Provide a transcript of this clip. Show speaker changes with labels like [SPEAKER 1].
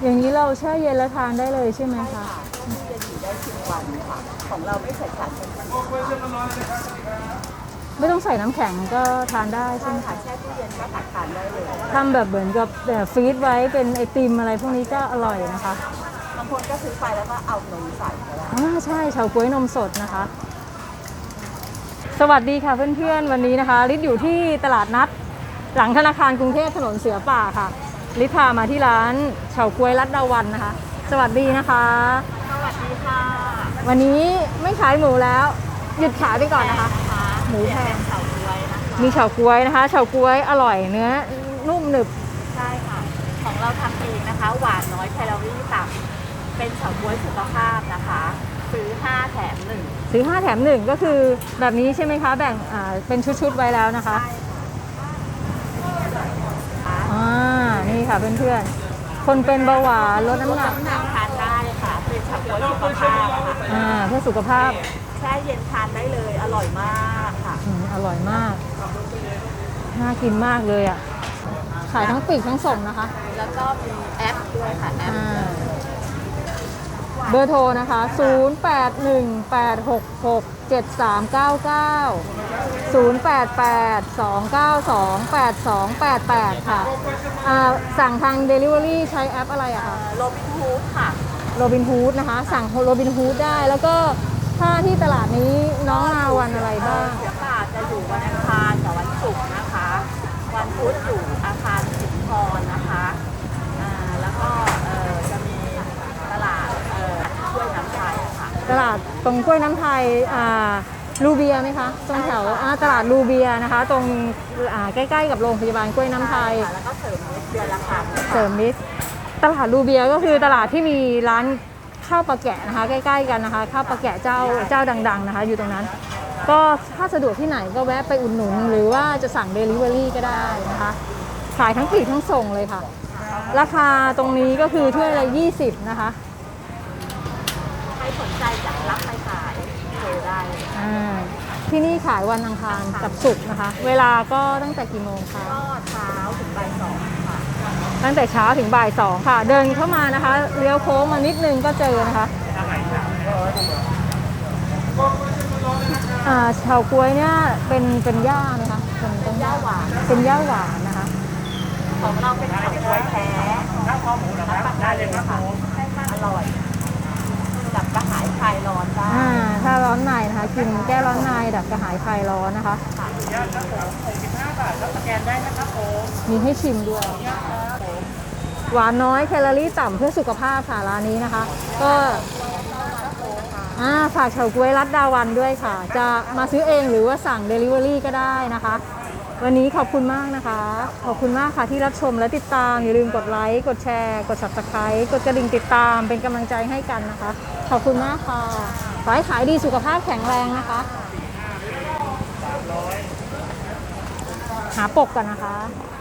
[SPEAKER 1] อย่างนี้เราแช่เย็นแล้วทานได้เลยใช่ไหมคะ
[SPEAKER 2] ที่จะอยู่ได้10 วันค่ะของเราไม่ใส่สารกันบูด
[SPEAKER 1] ไม่ต้องใส่น้ำแข็งก็ทานได้ใช่ไหม
[SPEAKER 2] ค่ะ
[SPEAKER 1] คะ
[SPEAKER 2] แช่ตู้เย็นก็ตักทานได้เลย
[SPEAKER 1] ทำแบบเหมือนกับฟรีซไว้เป็นไอติมอะไรพวกนี้ก็อร่อยนะคะ
[SPEAKER 2] บางคนก็ซื้อไปแล้วก็เอานมใส่ก็ได้
[SPEAKER 1] ใช่เฉาก๊วยนมสดนะคะสวัสดีค่ะเพื่อนๆวันนี้นะคะลิศอยู่ที่ตลาดนัดหลังธนาคารกรุงเทพถนนเสือป่าค่ะลิศพามาที่ร้านเฉาก๊วยรัตดาวันนะคะสวัสดีนะคะ
[SPEAKER 2] สวัสดีค่ะ
[SPEAKER 1] วันนี้ไม่ขายหมูแล้วหยุดขายไปก่อนนะคะหมูแพง
[SPEAKER 2] เฉาก๊วยนะคะ
[SPEAKER 1] มีเฉาก๊วยนะคะเฉาก๊วยอร่อยเนื้อนุ่มหนึบ
[SPEAKER 2] ใช่ค่ะของเราทำเองนะคะหวานน้อยแคลอรี่ต่ำเป็นเฉาก๊วยสุขภาพนะคะซื้อ5 แถม 1
[SPEAKER 1] ซื้อ5 แถม 1ก็คือแบบนี้ใช่ไหมคะแบ่งเป็นชุดๆไว้แล้วนะคะนี่ค่ะเพื่อนๆคนเป็นเบาหวานลดน้ำหนัก
[SPEAKER 2] ทานได้ค่ะเป็นเฉาก๊วยสุขภาพค่ะ
[SPEAKER 1] เพื่อสุขภาพ
[SPEAKER 2] แช่เย็นทานได้เลยอร่อยมากค่ะ
[SPEAKER 1] อร่อยมากน่ากินมากเลยอ่ะขายทั้งปีกทั้งส่งนะคะ
[SPEAKER 2] แล้วก็มีแอปด้วยค่ะแอป
[SPEAKER 1] เบอร์โทรนะคะ0818667399 0882928288ค่ะสั่งทาง Delivery ใช้แอปอะไรอะคะ
[SPEAKER 2] โรบินฮูดค่ะ
[SPEAKER 1] โรบินฮูดนะคะสั่งโรบินฮูดได้แล้วก็ถ้าที่ตลาดนี้น้องมาวันอะไรบ้าง
[SPEAKER 2] ตลาดจะอยู่วันอังคารกับวันศุกร์นะคะวันพุธอยู่อาคารสิงห์พรนะคะแล้วก็จะมีตลาดกล้วยน้ำไทยค่ะ
[SPEAKER 1] ตลาดตรงกล้วยน้ำไทยลูเบียไหมคะตรงแถวตลาดลูเบียนะคะตรงใกล้ๆกับโรงพยาบาลกล้วยน้ำไทย
[SPEAKER 2] แล้วก็เสริมนิดเดือนละครั้ง
[SPEAKER 1] เสริมนิดตลาดลูเบียก็คือตลาดที่มีร้านข้าวปลาแกะนะคะใกล้ๆกันนะคะข้าวปลาแกะเจ้าดังๆนะคะอยู่ตรงนั้นก็ถ้าสะดวกที่ไหนก็แวะไปอุดหนุนหรือว่าจะสั่ง Delivery ก็ได้นะคะขายทั้งปลีกทั้งส่งเลยค่ะราคาตรงนี้ก็คือถ้วยละ20นะคะ
[SPEAKER 2] ใครสนใจจะรับไปขายโทรได้
[SPEAKER 1] ที่นี่ขายวันอังคารกับศุกร์นะคะเวลาก็ตั้งแต่กี่โมงคะ
[SPEAKER 2] ก็เช้าถึงบ่าย 2ค่ะ
[SPEAKER 1] ตั้งแต่เช้าถึงบ่าย 2ค่ะเดินเข้ามานะคะเลี้ยวโค้งมานิดนึงก็เจอนะคะเฉาก๊วยเนี่ยเป็นย่าไหมคะ
[SPEAKER 2] เป็นย่าหวาน
[SPEAKER 1] เป็นย่าหวานนะคะ
[SPEAKER 2] ของเราเป็นเฉาก๊วยแท้รับประกันเลยค่ะอร่อยดับกระหายคลายร้อนได้
[SPEAKER 1] ถ้าร้อนในนะคะกินแก้ร้อนในดับกระหายคลายร้อนนะคะ
[SPEAKER 2] ย่าครับผม65 บาทแล้วสแกนได้นะครับผม
[SPEAKER 1] มีให้ชิมด้วยหวานน้อยแคลอรี่ต่ำเพื่อสุขภาพค่ะร้านนี้นะคะก็ฝากเฉาก๊วยรัตดาวันด้วยค่ะจะมาซื้อเองหรือว่าสั่ง Delivery ก็ได้นะคะวันนี้ขอบคุณมากนะคะขอบคุณมากค่ะที่รับชมและติดตามอย่าลืมกดไลค์กดแชร์กด Subscribe กดกระดิ่งติดตามเป็นกำลังใจให้กันนะคะขอบคุณมากค่ะขอให้ขายดีสุขภาพแข็งแรงนะคะหาปกกันนะคะ